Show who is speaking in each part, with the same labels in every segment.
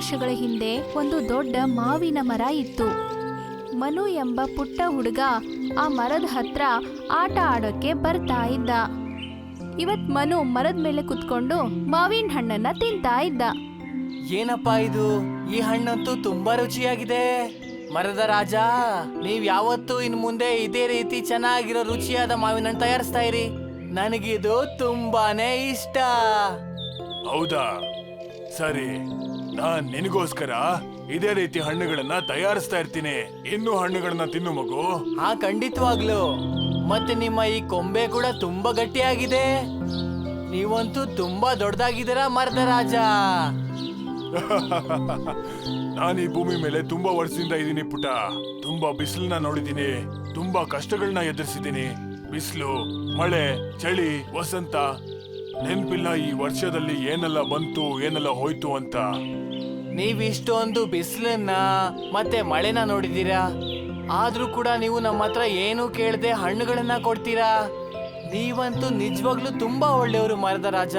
Speaker 1: ವರ್ಷಗಳ ಹಿಂದೆ ಒಂದು ದೊಡ್ಡ ಮಾವಿನ ಮರ ಇತ್ತು. ಮನು ಎಂಬ ಪುಟ್ಟ ಹುಡುಗ ಆ ಮರದ ಹತ್ರ ಆಟ ಆಡೋಕೆ ಬರ್ತಾ ಇದ್ದ. ಇವತ್ ಮನು ಮರದ ಮೇಲೆ ಕುತ್ಕೊಂಡು ಮಾವಿನ ಹಣ್ಣನ್ನ ತಿಂತಾ ಇದ್ದ.
Speaker 2: ಏನಪ್ಪಾ ಇದು, ಈ ಹಣ್ಣಂತೂ ತುಂಬಾ ರುಚಿಯಾಗಿದೆ. ಮರದ ರಾಜ, ನೀವ್ ಯಾವತ್ತೂ ಇನ್ ಮುಂದೆ ಇದೇ ರೀತಿ ಚೆನ್ನಾಗಿರೋ ರುಚಿಯಾದ ಮಾವಿನ ಹಣ್ಣು ತಯಾರಿಸ್ತಾ ಇರಿ. ನನಗಿದು ತುಂಬಾನೇ ಇಷ್ಟ.
Speaker 3: ಹೌದಾ, ಸರಿ, ನಾನ್ ನಿನಗೋಸ್ಕರ ಇದೇ ರೀತಿ ಹಣ್ಣುಗಳನ್ನ ತಯಾರಿಸ್ತಾ ಇರ್ತೀನಿ. ಇನ್ನು ಹಣ್ಣುಗಳನ್ನ ತಿನ್ನು ಮಗು.
Speaker 2: ಹಾ, ಖಂಡಿತವಾಗ್ಲು. ಮತ್ತೆ ನಿಮ್ಮ ಈ ಕೊಂಬೆ ಕೂಡ ತುಂಬಾ ಗಟ್ಟಿಯಾಗಿದೆ. ನೀವಂತೂ ತುಂಬಾ ದೊಡ್ಡದಾಗಿದ್ದೀರಾ ಮರದ ರಾಜ.
Speaker 3: ನಾನು ಈ ಭೂಮಿ ಮೇಲೆ ತುಂಬಾ ವರ್ಷದಿಂದ ಇದ್ದೀನಿ ಪುಟ. ತುಂಬಾ ಬಿಸಿಲನ್ನ ನೋಡಿದ್ದೀನಿ, ತುಂಬಾ ಕಷ್ಟಗಳನ್ನ ಎದುರಿಸಿದ್ದೀನಿ. ಬಿಸಿಲು, ಮಳೆ, ಚಳಿ, ವಸಂತ, ನೆನ್ಪಿಲ್ಲ ಈ ವರ್ಷದಲ್ಲಿ ಏನೆಲ್ಲ ಬಂತು ಏನೆಲ್ಲ ಹೋಯ್ತು ಅಂತ.
Speaker 2: ನೀವಿಷ್ಟೊಂದು ಬಿಸಿಲನ್ನ ಮತ್ತೆ ಮಳೆನ ನೋಡಿದೀರಾ, ಆದ್ರೂ ಕೂಡ ನೀವು ನಮ್ಮ ಹತ್ರ ಏನು ಕೇಳದೆ ಹಣ್ಣುಗಳನ್ನ ಕೊಡ್ತೀರಾ. ನೀವಂತೂ ನಿಜವಾಗ್ಲೂ ತುಂಬಾ ಒಳ್ಳೆಯವರು ಮರದ ರಾಜ.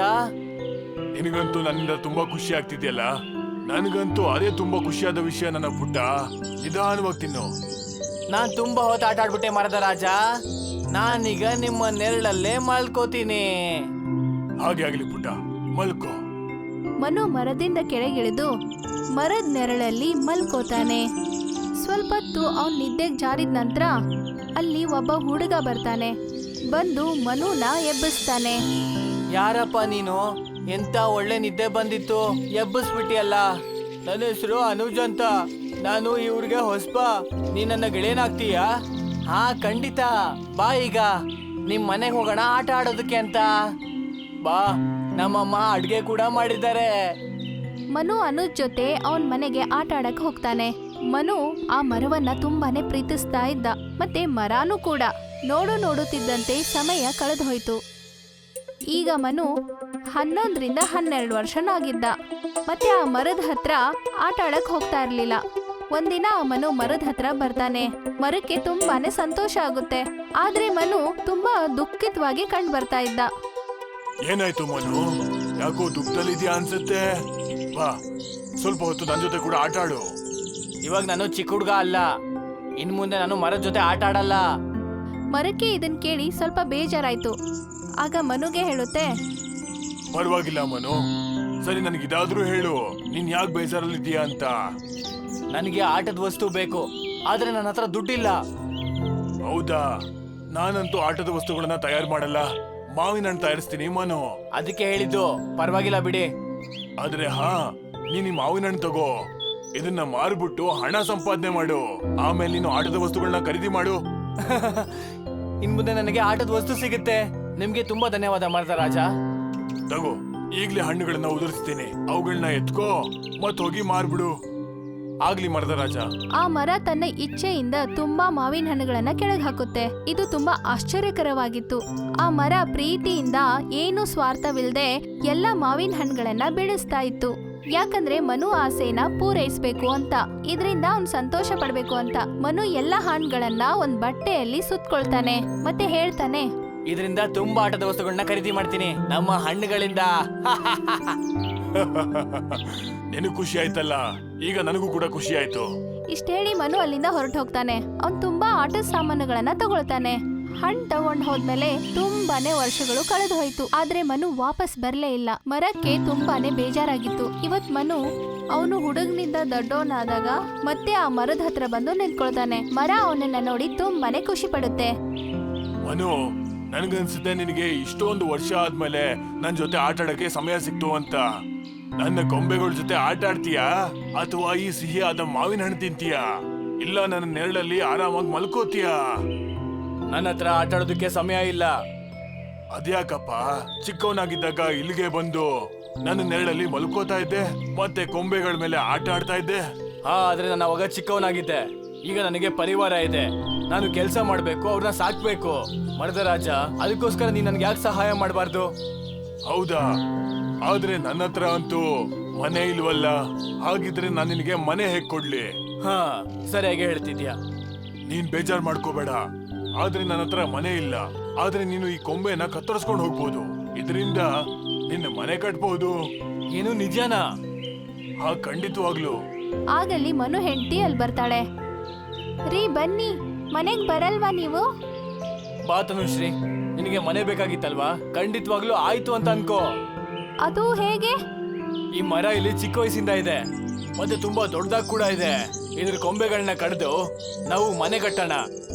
Speaker 3: ನಿನಗಂತೂ ನನ್ನಿಂದ ತುಂಬಾ ಖುಷಿ ಆಗ್ತಿದ್ಯಲ್ಲ. ನನಗಂತೂ ಅದೇ ತುಂಬಾ ಖುಷಿಯಾದ ವಿಷಯ ನನ್ನ ಪುಟ್ಟ. ನಿಧಾನವಾಗಿ ತಿನ್ನು.
Speaker 2: ನಾನ್ ತುಂಬಾ ಹೊತ್ತು ಆಟ ಆಡ್ಬಿಟ್ಟೆ ಮರದ ರಾಜ. ನಾನೀಗ ನಿಮ್ಮ ನೆರಳಲ್ಲೇ ಮಲ್ಕೋತೀನಿ.
Speaker 3: ಹಾಗೆ ಆಗ್ಲಿ ಪುಟ್ಟ, ಮಲ್ಕೋ.
Speaker 1: ಮನು ಮರದಿಂದ ಕೆಳಗಿಳಿದು ಮರದ ನೆರಳಲ್ಲಿ ಮಲ್ಕೋತಾನೆ. ಸ್ವಲ್ಪ ಹೊತ್ತು ಅವನ್ ನಿದ್ದೆಗೆ ಜಾರಿದ ನಂತರ ಅಲ್ಲಿ ಒಬ್ಬ ಹುಡುಗ ಬರ್ತಾನೆ. ಬಂದು ಮನುನ ಎಬ್ಬಿಸ್ತಾನೆ.
Speaker 2: ಯಾರಪ್ಪ ನೀನು? ಎಂತ ಒಳ್ಳೆ ನಿದ್ದೆ ಬಂದಿತ್ತು, ಎಬ್ಬಿಸ್ಬಿಟ್ಟಿಯಲ್ಲ. ನನ್ನ ಹೆಸರು ಅನುಜ್ ಅಂತ. ನಾನು ಈ ಊರಿಗೆ ಹೊಸಬ. ನೀ ನನ್ನ ಗೆಳೆಯನಾಗ್ತೀಯಾ? ಹಾ, ಖಂಡಿತ. ಬಾ, ಈಗ ನಿಮ್ ಮನೆಗೆ ಹೋಗೋಣ ಆಟ ಆಡೋದಕ್ಕೆ ಅಂತ. ಬಾ, ನಮ್ಮಮ್ಮ ಅಡ್ಗೆ ಕೂಡ ಮಾಡಿದ್ದಾರೆ.
Speaker 1: ಮನು ಅನುಜ್ ಜೊತೆ ಅವನ್ ಮನೆಗೆ ಆಟ ಆಡಕ್ ಹೋಗ್ತಾನೆ. ಮನು ಆ ಮರವನ್ನ ತುಂಬಾನೇ ಪ್ರೀತಿಸ್ತಾ ಇದ್ದ, ಮತ್ತೆ ಮರಾನು ಕೂಡ. ನೋಡುತ್ತಿದ್ದಂತೆ ಸಮಯ ಕಳೆದು ಹೋಯ್ತು. ಈಗ ಮನು 11ರಿಂದ 12 ವರ್ಷನಾಗಿದ್ದ. ಮತ್ತೆ ಆ ಮರದ ಹತ್ರ ಆಟ ಆಡಕ್ ಹೋಗ್ತಾ ಇರ್ಲಿಲ್ಲ. ಒಂದಿನ ಮನು ಮರದ ಹತ್ರ ಬರ್ತಾನೆ. ಮರಕ್ಕೆ ತುಂಬಾನೇ ಸಂತೋಷ ಆಗುತ್ತೆ, ಆದ್ರೆ ಮನು ತುಂಬಾ ದುಃಖಿತವಾಗಿ ಕಂಡು ಬರ್ತಾ ಇದ್ದ.
Speaker 3: ಏನಾಯ್ತು ಮನು? ಯಾಕೋ ದುಃಖದಲ್ಲಿದ್ಯಾ ಅನ್ಸುತ್ತೆ. ಬಾ, ಸ್ವಲ್ಪ ಹೊತ್ತು ನನ್ನ ಜೊತೆ ಕೂಡ ಆಟ ಆಡು.
Speaker 2: ಇವಾಗ ನಾನು ಚಿಕ್ಕ ಹುಡುಗ ಅಲ್ಲ, ಇನ್ ಮುಂದೆ ನಾನು ಮರದ ಜೊತೆ ಆಟ ಆಡಲ್ಲ.
Speaker 1: ಮರಕ್ಕೆ ಇದನ್ ಕೇಳಿ ಸ್ವಲ್ಪ ಬೇಜಾರಾಯ್ತು. ಆಗ ಮನುಗೆ ಹೇಳುತ್ತೆ,
Speaker 3: ಪರವಾಗಿಲ್ಲ ಮನು, ಸರಿ, ನನಗಿದಾದ್ರೂ ಹೇಳು, ನೀನ್ ಯಾಕೆ ಬೇಜಾರಲ್ಲಿದ್ದೀಯಾ ಅಂತ.
Speaker 2: ನನಗೆ ಆಟದ ವಸ್ತು ಬೇಕು, ಆದ್ರೆ ನನ್ನ ಹತ್ರ ದುಡ್ಡಿಲ್ಲ.
Speaker 3: ಹೌದಾ? ನಾನಂತೂ ಆಟದ ವಸ್ತುಗಳನ್ನ ತಯಾರು ಮಾಡಲ್ಲ, ಮಾವಿನ ಹಣ್ಣು ತಯಾರಿಸ್ತೀನಿ ಮನು.
Speaker 2: ಅದಕ್ಕೆ ಹೇಳಿದ್ದು, ಪರವಾಗಿಲ್ಲ ಬಿಡಿ.
Speaker 3: ಆದ್ರೆ ಹಾ, ನೀನ್ ಈ ಮಾವಿನ ಹಣ್ಣು ತಗೋ, ಇದನ್ನ ಮಾರ್ಬಿಟ್ಟು ಹಣ ಸಂಪಾದನೆ ಮಾಡು. ಆಮೇಲೆ ನೀನು ಆಟದ ವಸ್ತುಗಳನ್ನ ಖರೀದಿ ಮಾಡು.
Speaker 2: ಇನ್ ಮುಂದೆ ನನಗೆ ಆಟದ ವಸ್ತು ಸಿಗುತ್ತೆ. ನಿಮ್ಗೆ ತುಂಬಾ ಧನ್ಯವಾದ ಮರದ ರಾಜ.
Speaker 3: ತಗೋ, ಈಗ್ಲೇ ಹಣ್ಣುಗಳನ್ನ ಉದುರಿಸ್ತೀನಿ, ಅವುಗಳನ್ನ ಎತ್ಕೋ ಮತ್ ಹೋಗಿ ಮಾರ್ಬಿಡು. ಆಗ್ಲಿ ಮರದ ರಾಜ.
Speaker 1: ಆ ಮರ ತನ್ನ ಇಚ್ಛೆಯಿಂದ ತುಂಬಾ ಮಾವಿನ ಹಣ್ಣುಗಳನ್ನ ಕೆಳಗೆ ಹಾಕುತ್ತೆ. ಇದು ತುಂಬಾ ಆಶ್ಚರ್ಯಕರವಾಗಿತ್ತು. ಆ ಮರ ಪ್ರೀತಿಯಿಂದ ಏನು ಸ್ವಾರ್ಥವಿಲ್ಲದೆ ಎಲ್ಲ ಮಾವಿನ ಹಣ್ಣುಗಳನ್ನ ಬೆಳೆಸ್ತಾ ಇತ್ತು. ಯಾಕಂದ್ರೆ ಮನು ಆಸೆನ ಪೂರೈಸ್ಬೇಕು ಅಂತ, ಇದರಿಂದ ಅವ್ನ್ ಸಂತೋಷ ಪಡ್ಬೇಕು ಅಂತ. ಮನು ಎಲ್ಲ ಹಣ್ಣುಗಳನ್ನ ಒಂದ್ ಬಟ್ಟೆಯಲ್ಲಿ ಸುತ್ಕೊಳ್ತಾನೆ ಮತ್ತೆ ಹೇಳ್ತಾನೆ,
Speaker 2: ಇದರಿಂದ ತುಂಬಾ ಆಟದ ವಸ್ತುಗಳನ್ನ ಖರೀದಿ ಮಾಡ್ತೀನಿ ನಮ್ಮ ಹಣ್ಣುಗಳಿಂದ.
Speaker 3: ನಿನಗೂ ಖುಷಿ ಆಯ್ತಲ್ಲ, ಈಗ ನನಗೂ ಕೂಡ ಖುಷಿ ಆಯ್ತು.
Speaker 1: ಇಷ್ಟ ಹೇಳಿ ಮನು ಅಲ್ಲಿಂದ ಹೊರಟು ಹೋಗ್ತಾನೆ. ಅವ್ನ್ ತುಂಬಾ ಆಟದ ಸಾಮಾನುಗಳನ್ನ ತಗೊಳ್ತಾನೆ. ಹಣ್ಣು ತಗೊಂಡ್ ಹೋದ್ಮೇಲೆ ತುಂಬಾನೇ ವರ್ಷಗಳು ಕಳೆದು ಹೋಯ್ತು, ಆದ್ರೆ ಮನು ವಾಪಸ್ ಬರ್ಲೇ ಇಲ್ಲ. ಮರಕ್ಕೆ ತುಂಬಾನೇ ಬೇಜಾರಾಗಿತ್ತು. ಇವತ್ ಮನು ಅವನು ಹುಡುಗನಿಂದ ದೊಡ್ಡವನಾದಾಗ ಮತ್ತೆ ಆ ಮರದ ಹತ್ರ ಬಂದು ನಿಂತ್ಕೊಳ್ತಾನೆ. ಮರ ಅವನನ್ನ ನೋಡಿ ತುಂಬಾನೇ ಖುಷಿ ಪಡುತ್ತೆ.
Speaker 3: ಮನು, ನನ್ಗನ್ಸುತ್ತೆ ನಿನಗೆ ಇಷ್ಟೊಂದು ವರ್ಷ ಆದ್ಮೇಲೆ ನನ್ ಜೊತೆ ಆಟ ಆಡಕ್ಕೆ ಸಮಯ ಸಿಕ್ತು ಅಂತ. ನನ್ನ ಕೊಂಬೆಗಳ ಜೊತೆ ಆಟ ಆಡ್ತೀಯಾ ಅಥವಾ ಈ ಸಿಹಿಯಾದ ಮಾವಿನ ಹಣ್ಣು ತಿಂತೀಯಾ? ಇಲ್ಲ ನನ್ನ ನೆರಳಲ್ಲಿ ಆರಾಮಾಗಿ ಮಲ್ಕೋತೀಯಾ?
Speaker 2: ನನ್ನ ಹತ್ರ ಆಟ ಆಡೋದಕ್ಕೆ ಸಮಯ ಇಲ್ಲ.
Speaker 3: ಅದ್ಯಾಕಪ್ಪ? ಚಿಕ್ಕವನಾಗಿದ್ದಾಗ ಇಲ್ಲಿಗೆ ಬಂದು ನನ್ನ ನೆರಳಲ್ಲಿ ಮಲ್ಕೋತಾ ಇದ್ದೆ, ಮತ್ತೆ ಕೊಂಬೆಗಳ ಮೇಲೆ ಆಟ ಆಡ್ತಾ ಇದ್ದೆ.
Speaker 2: ಹಾ, ಆದ್ರೆ ನಾನು ಅವಾಗ ಚಿಕ್ಕವನಾಗಿದ್ದೆ. ಈಗ ನನಗೆ ಪರಿವಾರ ಇದೆ, ನಾನು ಕೆಲಸ ಮಾಡ್ಬೇಕು, ಅವ್ರನ್ನ ಸಾಕ್ಬೇಕು. ಮರದ ರಾಜ, ಅದಕ್ಕೋಸ್ಕರ ನೀನ್ ನನ್ಗೆ ಯಾಕೆ ಸಹಾಯ ಮಾಡಬಾರ್ದು?
Speaker 3: ಹೌದಾ? ಆದ್ರೆ ನನ್ನ ಹತ್ರ ಅಂತೂ ಮನೆ ಇಲ್ವಲ್ಲ. ಹಾಗಿದ್ರೆ ನಾನು ನಿನಗೆ ಮನೆ ಹೇಗ್ ಕೊಡ್ಲಿ?
Speaker 2: ಹಾ, ಸರಿಯಾಗಿ ಹೇಳ್ತಿದ್ಯಾ.
Speaker 3: ನೀನ್ ಬೇಜಾರ್ ಮಾಡ್ಕೋಬೇಡ, ಆದ್ರೆ ನನ್ನ ಹತ್ರ ಮನೆ ಇಲ್ಲ. ಆದ್ರೆ ನೀನು ಈ ಕೊಂಬೆನ ಕತ್ತರಿಸ್ಕೊಂಡು ಹೋಗ್ಬೋದು, ಇದರಿಂದ ನಿನ್ನ ಮನೆ ಕಟ್ಬಹುದು.
Speaker 2: ಏನು ನಿಜನಾ?
Speaker 3: ಹಾ ಖಂಡಿತವಾಗ್ಲು.
Speaker 1: ಆಗಲ್ಲಿ ಮನು ಹೆಂಡತಿ ಅಲ್ಲಿ ಬರ್ತಾಳೆ. ರೀ ಬನ್ನಿ, ಮನೆಗ್ ಬರಲ್ವಾ ನೀವು?
Speaker 2: ಬಾ ತನುಶ್ರೀ, ನಿನಗೆ ಮನೆ ಬೇಕಾಗಿತ್ತಲ್ವಾ? ಖಂಡಿತವಾಗ್ಲೂ ಆಯ್ತು ಅಂತ ಅನ್ಕೋ.
Speaker 1: ಅದು ಹೇಗೆ?
Speaker 2: ಈ ಮರ ಇಲ್ಲಿ ಚಿಕ್ಕ ವಯಸ್ಸಿಂದ ಇದೆ, ಮತ್ತೆ ತುಂಬಾ ದೊಡ್ಡದಾಗಿ ಕೂಡ ಇದೆ. ಇದ್ರ ಕೊಂಬೆಗಳನ್ನ ಕಡ್ದು ನಾವು ಮನೆ ಕಟ್ಟೋಣ.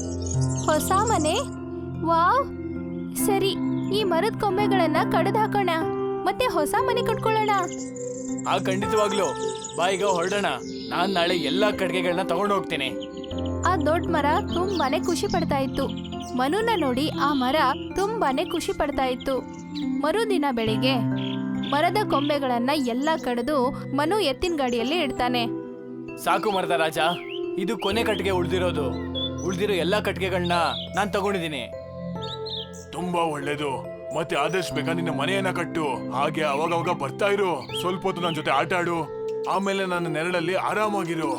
Speaker 1: ಹೊಸ ಮನೆ? ವಾವ್, ಸರಿ, ಈ ಮರದ ಕೊಂಬೆಗಳನ್ನ ಕಡ್ದು ಹಾಕೋಣ, ಮತ್ತೆ ಹೊಸ ಮನೆ ಕಟ್ಕೊಳ್ಳೋಣ.
Speaker 2: ಖಂಡಿತವಾಗ್ಲು. ಬಾ ಈಗ ಹೊರಡೋಣ. ನಾನ್ ನಾಳೆ ಎಲ್ಲಾ ಕಡ್ಗೆಗಳನ್ನ ತಗೊಂಡು ಹೋಗ್ತೀನಿ.
Speaker 1: ಆ ದೊಡ್ಡ ಮರ ತುಂಬಾನೇ ಖುಷಿ ಪಡ್ತಾ ಇತ್ತು. ಮನುನ ನೋಡಿ ಆ ಮರ ತುಂಬಾನೇ ಖುಷಿ ಪಡ್ತಾ ಇತ್ತು. ಮರುದಿನ ಬೆಳಿಗ್ಗೆ ಮರದ ಕೊಂಬೆಗಳನ್ನ ಎಲ್ಲ ಕಡಿದು ಮನು ಎತ್ತಿನ ಗಾಡಿಯಲ್ಲಿ ಇಡ್ತಾನೆ.
Speaker 2: ಸಾಕು ಮರದ ರಾಜ, ಇದು ಕೊನೆ ಕಟ್ಟಿಗೆ ಉಳ್ದಿರೋ ಎಲ್ಲಾ ಕಟ್ಟಿಗೆಗಳನ್ನ ನಾನ್ ತಗೊಂಡಿದ್ದೀನಿ.
Speaker 3: ತುಂಬಾ ಒಳ್ಳೇದು. ಮತ್ತೆ ಆದಷ್ಟು ಬೇಗ ನಿನ್ನ ಮನೆಯನ್ನ ಕಟ್ಟು. ಹಾಗೆ ಅವಾಗ ಬರ್ತಾ ಇರು. ಸ್ವಲ್ಪ ಹೊತ್ತು ನನ್ನ ಜೊತೆ ಆಟ ಆಡು. ಆಮೇಲೆ ನನ್ನ ನೆರಳಲ್ಲಿ ಆರಾಮಾಗಿರು.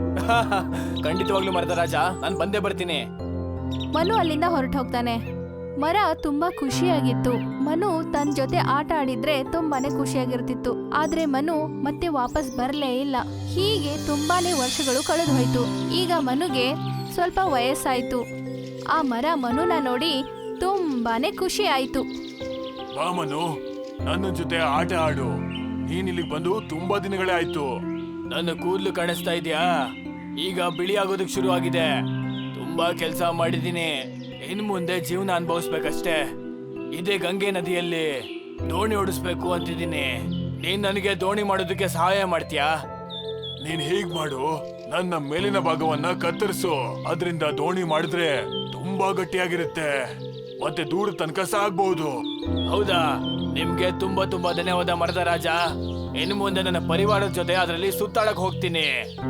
Speaker 2: ಖಂಡಿತವಾಗ್ಲೂ ಮರದ ರಾಜ, ನಾನ್ ಬಂದೇ ಬರ್ತೀನಿ.
Speaker 1: ಮನು ಅಲ್ಲಿಂದ ಹೊರಟು ಹೋಗ್ತಾನೆ. ಮರ ತುಂಬಾ ಖುಷಿಯಾಗಿತ್ತು. ಮನು ತನ್ನ ಜೊತೆ ಆಟ ಆಡಿದ್ರೆ ತುಂಬಾನೇ ಖುಷಿಯಾಗಿರ್ತಿತ್ತು. ಆದ್ರೆ ಮನು ಮತ್ತೆ ವಾಪಸ್ ಬರ್ಲೇ ಇಲ್ಲ. ಹೀಗೆ ತುಂಬಾನೇ ವರ್ಷಗಳು ಕಳೆದು ಹೋಯ್ತು. ಈಗ ಮನುಗೆ ಸ್ವಲ್ಪ ವಯಸ್ಸಾಯ್ತು. ಆ ಮರ ಮನುನ ನೋಡಿ ತುಂಬಾನೇ ಖುಷಿ ಆಯ್ತು.
Speaker 3: ಬಾ ಮನು, ನನ್ನ ಜೊತೆ ಆಟ ಆಡು. ನೀನ್ ಇಲ್ಲಿಗೆ ಬಂದು ತುಂಬಾ ದಿನಗಳೇ ಆಯ್ತು.
Speaker 2: ನನ್ನ ಕೂದಲು ಕಾಣಿಸ್ತಾ ಇದೆಯಾ? ಈಗ ಬಿಳಿ ಆಗೋದಕ್ಕೆ ಶುರು ಆಗಿದೆ. ತುಂಬಾ ಕೆಲಸ ಮಾಡಿದೀನಿ. ಇನ್ ಮುಂದೆ ಜೀವನ ಅನುಭವಿಸ್ಬೇಕಷ್ಟೇ. ಇದೇ ಗಂಗೆ ನದಿಯಲ್ಲಿ ದೋಣಿ ಓಡಿಸ್ಬೇಕು ಅಂತಿದ್ದೀನಿ. ನೀನ್ ನನಗೆ ದೋಣಿ ಮಾಡೋದಕ್ಕೆ ಸಹಾಯ ಮಾಡ್ತೀಯಾ?
Speaker 3: ನೀನ್ ಹೀಗ್ ಮಾಡು, ನನ್ನ ಮೇಲಿನ ಭಾಗವನ್ನ ಕತ್ತರಿಸು. ಅದರಿಂದ ದೋಣಿ ಮಾಡಿದ್ರೆ ತುಂಬಾ ಗಟ್ಟಿಯಾಗಿರುತ್ತೆ, ಮತ್ತೆ ದೂರ ತನಕ ಸಾಗ್ಬಹುದು.
Speaker 2: ಹೌದಾ? ನಿಮ್ಗೆ ತುಂಬಾ ತುಂಬಾ ಧನ್ಯವಾದ ಮರದ ರಾಜ. ಇನ್ನು ಮುಂದೆ ನನ್ನ ಪರಿವಾರದ ಜೊತೆ ಅದರಲ್ಲಿ ಸುತ್ತಾಡಕ್ ಹೋಗ್ತೀನಿ.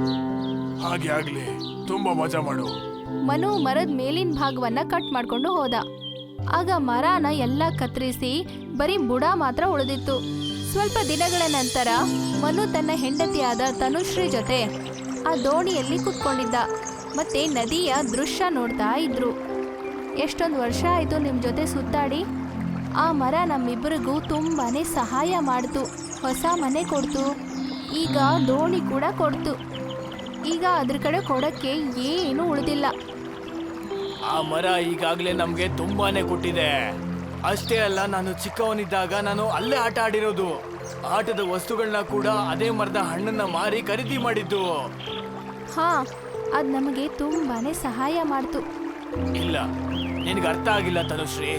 Speaker 3: ಹಾಗೆ ಆಗ್ಲಿ, ತುಂಬಾ ಮಜಾ ಮಾಡು.
Speaker 1: ಮನು ಮರದ ಮೇಲಿನ ಭಾಗವನ್ನ ಕಟ್ ಮಾಡ್ಕೊಂಡು ಹೋದ. ಆಗ ಮರನ ಎಲ್ಲ ಕತ್ತರಿಸಿ ಬರೀ ಬುಡ ಮಾತ್ರ ಉಳಿದಿತ್ತು. ಸ್ವಲ್ಪ ದಿನಗಳ ನಂತರ ಮನು ತನ್ನ ಹೆಂಡತಿಯಾದ ತನುಶ್ರೀ ಜೊತೆ ಆ ದೋಣಿಯಲ್ಲಿ ಕುತ್ಕೊಂಡಿದ್ದ. ಮತ್ತೆ ನದಿಯ ದೃಶ್ಯ ನೋಡ್ತಾ ಇದ್ರು. ಎಷ್ಟೊಂದು ವರ್ಷ ಆಯ್ತು ನಿಮ್ ಜೊತೆ ಸುತ್ತಾಡಿ. ಆ ಮರ ನಮ್ಮಿಬ್ಬರಿಗೂ ತುಂಬಾನೇ ಸಹಾಯ ಮಾಡ್ತು. ಹೊಸ ಮನೆ ಕೊಡ್ತು, ಈಗ ದೋಣಿ ಕೂಡ ಕೊಡ್ತು. ಈಗ ಅದ್ರ ಕಡೆ ಕೊಡಕ್ಕೆ ಏನು ಉಳಿದಿಲ್ಲ.
Speaker 2: ಆ ಮರ ಈಗಾಗ್ಲೇ ನಮ್ಗೆ ತುಂಬಾನೇ ಕೊಟ್ಟಿದೆ. ಅಷ್ಟೇ ಅಲ್ಲ, ನಾನು ಚಿಕ್ಕವನಿದ್ದಾಗ ನಾನು ಅಲ್ಲೇ ಆಟ ಆಡಿರೋದು. ಆಟದ ವಸ್ತುಗಳನ್ನ ಕೂಡ ಅದೇ ಮರದ ಹಣ್ಣನ್ನ ಮಾರಿ ಖರೀದಿ ಮಾಡಿದ್ದು.
Speaker 1: ಹಾ, ಅದ್ ನಮಗೆ ತುಂಬಾನೇ ಸಹಾಯ ಮಾಡ್ತು.
Speaker 2: ಇಲ್ಲ, ನಿನಗೆ ಅರ್ಥ ಆಗಿಲ್ಲ ತನುಶ್ರೀ.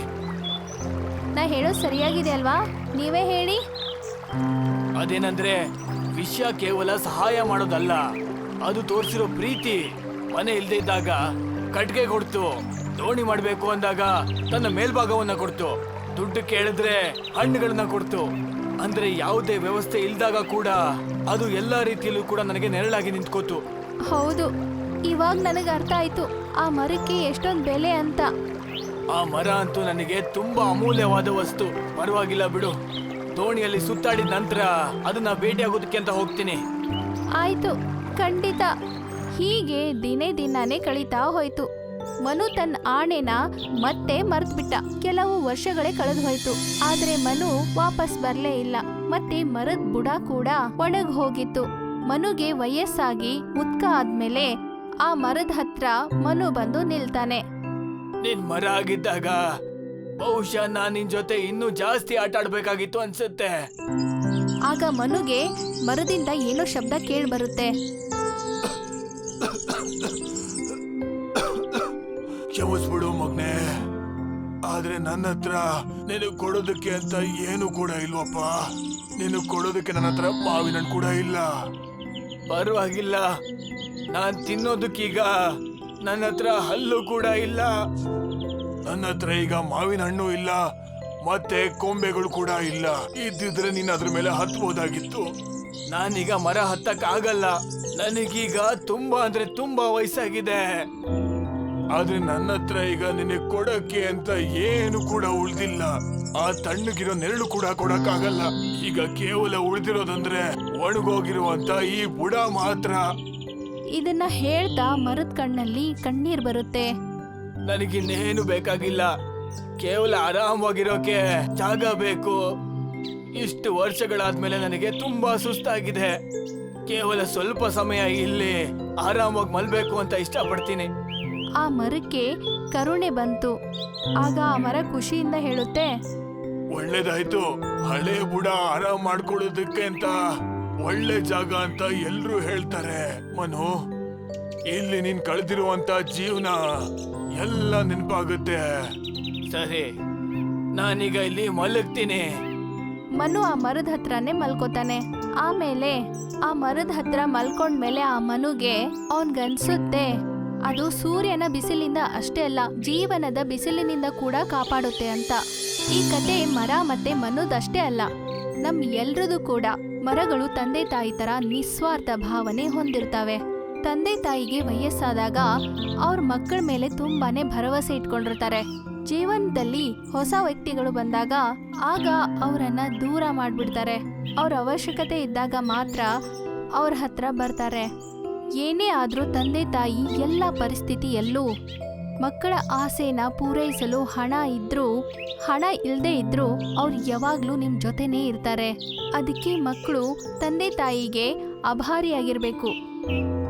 Speaker 1: ನಾ ಹೇಳೋದು ಸರಿಯಾಗಿದೆ ಅಲ್ವಾ? ನೀವೇ ಹೇಳಿ.
Speaker 2: ಅದೇನಂದ್ರೆ, ವಿಷಯ ಕೇವಲ ಸಹಾಯ ಮಾಡೋದಲ್ಲ, ಅದು ತೋರಿಸಿರೋ ಪ್ರೀತಿ. ಮನೆ ಇಲ್ದೇ ಇದ್ದಾಗ ಕಟ್ಗೆ ಕೊಡ್ತು, ದೋಣಿ ಮಾಡ್ಬೇಕು ಅಂದಾಗ ತನ್ನ ಮೇಲ್ಭಾಗವನ್ನ ಕೊಡ್ತು, ದುಡ್ಡು ಕೇಳಿದ್ರೆ ಹಣ್ಣುಗಳನ್ನ ಕೊಡ್ತು. ಅಂದ್ರೆ ಯಾವುದೇ ವ್ಯವಸ್ಥೆ ಇಲ್ದಾಗ ಕೂಡ ಅದು ಎಲ್ಲಾ ರೀತಿಯಲ್ಲೂ ಕೂಡ ನನಗೆ ನೆರಳಾಗಿ ನಿಂತ್ಕೋತು.
Speaker 1: ಹೌದು, ಇವಾಗ ನನಗೆ ಅರ್ಥ ಆಯ್ತು ಆ ಮರಕ್ಕೆ ಎಷ್ಟೊಂದು ಬೆಲೆ ಅಂತ.
Speaker 2: ಆ ಮರ ಅಂತೂ ನನಗೆ ತುಂಬಾ ಅಮೂಲ್ಯವಾದ ವಸ್ತು. ಪರವಾಗಿಲ್ಲ ಬಿಡು, ದೋಣಿಯಲ್ಲಿ ಸುತ್ತಾಡಿದ ನಂತರ ಅದನ್ನ ಭೇಟಿಯಾಗೋದಕ್ಕೆ ಅಂತ ಹೋಗ್ತೀನಿ.
Speaker 1: ಆಯ್ತು, ಖಂಡಿತ. ಹೀಗೆ ದಿನಾನೇ ಕಳೀತಾ ಹೋಯ್ತು. ಮನು ತನ್ನ ಆಣೆನ ಮತ್ತೆ ಮರ್ತ್ಬಿಟ್ಟ. ಕೆಲವು ವರ್ಷಗಳೇ ಕಳೆದು ಹೋಯ್ತು. ಆದ್ರೆ ಮನು ವಾಪಸ್ ಬರ್ಲೇ ಇಲ್ಲ. ಮತ್ತೆ ಮರದ ಬುಡ ಕೂಡ ಒಣಗ್ ಹೋಗಿತ್ತು. ಮನುಗೆ ವಯಸ್ಸಾಗಿ ಮುದ್ಕ ಆದ್ಮೇಲೆ ಆ ಮರದ ಹತ್ರ ಮನು ಬಂದು ನಿಲ್ತಾನೆ.
Speaker 2: ನಿನ್ ಮರ ಆಗಿದ್ದಾಗ ಬಹುಶಃ ನಾನ್ ನಿನ್ ಜೊತೆ ಇನ್ನೂ ಜಾಸ್ತಿ ಆಟ ಆಡ್ಬೇಕಾಗಿತ್ತು ಅನ್ಸುತ್ತೆ.
Speaker 1: ಆಗ ಮನುಗೆ ಮರದಿಂದ ಏನೋ ಶಬ್ದ ಕೇಳಿ ಬರುತ್ತೆ.
Speaker 3: ಕ್ಷಮಿಸ್ಬಿಡು ಮಗ್ನೆ, ಆದ್ರೆ ನನ್ನ ಹತ್ರ ನಿನಗ್ ಕೊಡೋದಕ್ಕೆ ಅಂತ ಏನು ಕೂಡ ಇಲ್ವಪ್ಪ. ನಿನಗ್ ಕೊಡೋದಕ್ಕೆ ನನ್ನ ಹತ್ರ ಮಾವಿನ ಹಣ್ಣು ಕೂಡ ಇಲ್ಲ.
Speaker 2: ಪರವಾಗಿಲ್ಲ, ನಾನ್ ತಿನ್ನೋದಕ್ಕೀಗ ನನ್ನ ಹತ್ರ ಹಲ್ಲು ಕೂಡ ಇಲ್ಲ.
Speaker 3: ನನ್ನ ಹತ್ರ ಈಗ ಮಾವಿನ ಹಣ್ಣು ಇಲ್ಲ, ಮತ್ತೆ ಕೊಂಬೆಗಳು ಕೂಡ ಇಲ್ಲ. ಇದ್ದಿದ್ರೆ ನೀನ್ ಅದ್ರ ಮೇಲೆ ಹತ್ಬೋದಾಗಿತ್ತು.
Speaker 2: ನಾನೀಗ ಮರ ಹತ್ತಕ್ ಆಗಲ್ಲ. ನನಗೀಗ ತುಂಬಾ ಅಂದ್ರೆ ತುಂಬಾ ವಯಸ್ಸಾಗಿದೆ.
Speaker 3: ಆದ್ರೆ ನನ್ನ ಹತ್ರ ಈಗ ನಿನಗೆ ಕೊಡಕ್ಕೆ ಅಂತ ಏನು ಕೂಡ ಉಳ್ದಿಲ್ಲ. ಆ ತಣ್ಣಗಿರೋ ನೆರಳು ಕೂಡ ಕೊಡಕ್ಕಾಗಲ್ಲ. ಈಗ ಕೇವಲ ಉಳಿದಿರೋದಂದ್ರೆ ಒಣಗೋಗಿರುವಂತ ಈ ಬುಡ ಮಾತ್ರ.
Speaker 1: ಇದನ್ನ ಹೇಳ್ತಾ ಮರದ ಕಣ್ಣಲ್ಲಿ ಕಣ್ಣೀರ್ ಬರುತ್ತೆ.
Speaker 2: ನನಗಿನ್ನೇನು ಬೇಕಾಗಿಲ್ಲ, ಕೇವಲ ಆರಾಮವಾಗಿರೋಕೆ ಜಾಗ ಬೇಕು. ಇಷ್ಟು ವರ್ಷಗಳಾದ್ಮೇಲೆ ನನಗೆ ತುಂಬಾ ಸುಸ್ತಾಗಿದೆ. ಕೇವಲ ಸ್ವಲ್ಪ ಸಮಯ ಇಲ್ಲಿ ಆರಾಮಾಗಿ ಮಲ್ಬೇಕು ಅಂತ ಇಷ್ಟಪಡ್ತೀನಿ.
Speaker 1: ಆ ಮರಕ್ಕೆ ಕರುಣೆ ಬಂತು. ಆಗ ಆ ಮರ ಖುಷಿಯಿಂದ ಹೇಳುತ್ತೆ,
Speaker 3: ಒಳ್ಳೇದಾಯ್ತು, ಹಳೆ ಬುಡ ಆರಾಮ್ ಮಾಡ್ಕೊಳ್ಳೋದಕ್ಕೆ ಅಂತ ಒಳ್ಳೆ ಜಾಗ ಅಂತ ಎಲ್ರೂ ಹೇಳ್ತಾರೆ. ಮನು, ಇಲ್ಲಿ ನೀನ್ ಕಳೆದಿರುವಂತ ಜೀವನ ಎಲ್ಲ ನೆನಪಾಗುತ್ತೆ.
Speaker 2: ಸರಿ, ನಾನೀಗ ಇಲ್ಲಿ ಮಲಗ್ತೀನಿ.
Speaker 1: ಮನು ಆ ಮರದ ಹತ್ರನೇ ಮಲ್ಕೋತಾನೆ. ಆಮೇಲೆ ಆ ಮರದ ಹತ್ರ ಮಲ್ಕೊಂಡ್ಮೇಲೆ ಆ ಮನುಗೆ ಅವನ್ಗನ್ಸುತ್ತೆ ಅದು ಸೂರ್ಯನ ಬಿಸಿಲಿಂದ ಅಷ್ಟೇ ಅಲ್ಲ, ಜೀವನದ ಬಿಸಿಲಿನಿಂದ ಕೂಡ ಕಾಪಾಡುತ್ತೆ ಅಂತ. ಈ ಕತೆ ಮರ ಮತ್ತೆ ಮನುದಷ್ಟೇ ಅಲ್ಲ, ನಮ್ ಎಲ್ರದು ಕೂಡ. ಮರಗಳು ತಂದೆ ತಾಯಿ ತರ ನಿಸ್ವಾರ್ಥ ಭಾವನೆ ಹೊಂದಿರ್ತವೆ. ತಂದೆ ತಾಯಿಗೆ ವಯಸ್ಸಾದಾಗ ಅವ್ರ ಮಕ್ಕಳ ಮೇಲೆ ತುಂಬಾನೇ ಭರವಸೆ ಇಟ್ಕೊಂಡಿರ್ತಾರೆ. ಜೀವನದಲ್ಲಿ ಹೊಸ ವ್ಯಕ್ತಿಗಳು ಬಂದಾಗ ಆಗ ಅವರನ್ನ ದೂರ ಮಾಡ್ಬಿಡ್ತಾರೆ. ಅವ್ರ ಅವಶ್ಯಕತೆ ಇದ್ದಾಗ ಮಾತ್ರ ಅವ್ರ ಹತ್ರ ಬರ್ತಾರೆ. ಏನೇ ಆದ್ರೂ ತಂದೆ ತಾಯಿ ಎಲ್ಲ ಪರಿಸ್ಥಿತಿಯಲ್ಲೂ ಮಕ್ಕಳ ಆಸೆನ ಪೂರೈಸಲು ಹಣ ಇದ್ರೂ ಹಣ ಇಲ್ಲದೆ ಇದ್ರೂ ಅವ್ರು ಯಾವಾಗ್ಲೂ ನಿಮ್ ಜೊತೆನೇ ಇರ್ತಾರೆ. ಅದಕ್ಕೆ ಮಕ್ಕಳು ತಂದೆ ತಾಯಿಗೆ ಆಭಾರಿಯಾಗಿರ್ಬೇಕು.